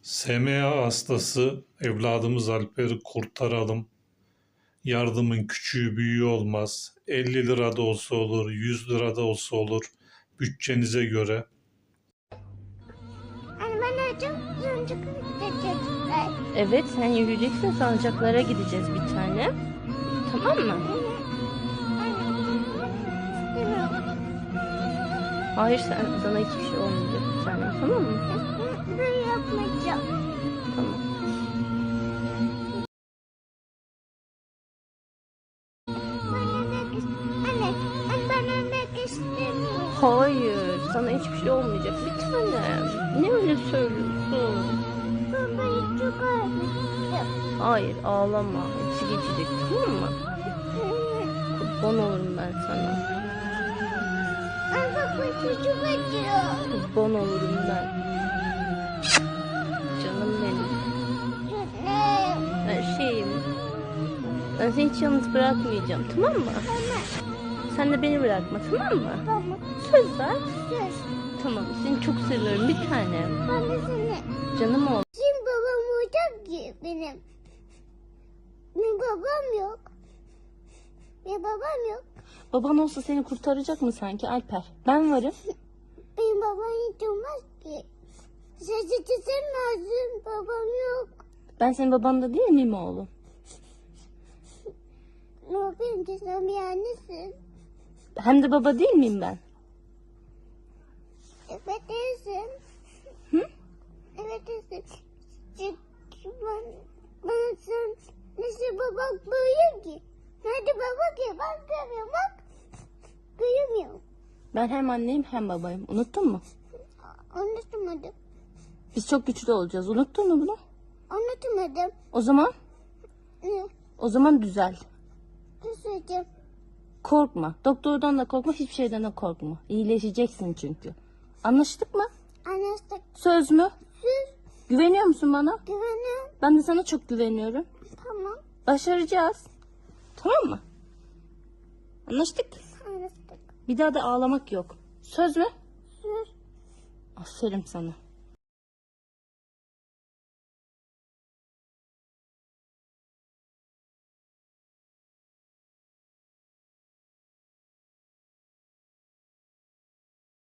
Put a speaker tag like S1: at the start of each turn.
S1: SMA hastası evladımız Alper'i kurtaralım. Yardımın küçüğü büyüğü olmaz. 50 lira da olsa olur, 100 lira da olsa olur. Bütçenize göre.
S2: Anne ben çok gidecekler.
S3: Evet, sen yürüyeceksin, salıncaklara gideceğiz bir tane. Tamam mı?
S2: İstemiyorum.
S3: Hayır, sana hiçbir şey olmayacak bir tane, tamam mı?
S2: Ben yapmayacağım.
S3: Tamam.
S2: Anne ben ölmek istemiyorum.
S3: Hayır, sana hiçbir şey olmayacak bir tane. Ne öyle söylüyorsun?
S2: Babayı çok ağrıdım.
S3: Hayır, ağlama. Hepsi geçecek, tamam mı? Kurban olurum ben sana.
S2: Anne bak başı çok acıyor.
S3: Kurban olurum ben. Canım benim.
S2: Anne.
S3: Her şeyim. Ben seni hiç yalnız bırakmayacağım, tamam mı?
S2: Tamam.
S3: Sen de beni bırakma, tamam mı?
S2: Tamam.
S3: Söz ver.
S2: Söz.
S3: Tamam, seni çok seviyorum bir tanem.
S2: Ben de seni.
S3: Canım ol.
S2: Şimdi babam olacak ki benim. Benim babam yok. Benim babam yok.
S3: Baban olsa seni kurtaracak mı sanki Alper? Ben varım.
S2: Benim babam hiç olmaz ki. Sesi çizim lazım. Babam yok.
S3: Ben senin baban da değil miyim oğlum?
S2: Ne yapayım ki sen bir annesin.
S3: Hem de baba değil miyim ben?
S2: Evet değilsin.
S3: Hı?
S2: Evet değilsin. Çünkü ben sen nasıl babak böyle ki? Nerede baba ki? Ben görmüyorum bak. Göremiyorum.
S3: Ben hem anneyim hem babayım. Unuttun mu?
S2: Anlatamadım.
S3: Biz çok güçlü olacağız. Unuttun mu bunu?
S2: Anlatamadım.
S3: O zaman?
S2: Ne?
S3: O zaman düzel.
S2: Ne söyleyeceğim?
S3: Korkma. Doktordan da korkma, hiçbir şeyden de korkma. İyileşeceksin çünkü. Anlaştık mı?
S2: Anlaştık.
S3: Söz mü?
S2: Söz.
S3: Güveniyor musun bana?
S2: Güvenim.
S3: Ben de sana çok güveniyorum.
S2: Tamam.
S3: Başaracağız. Tamam mı? Anlaştık.
S2: Anlaştık.
S3: Bir daha da ağlamak yok. Söz mü?
S2: Söz.
S3: Aferin sana.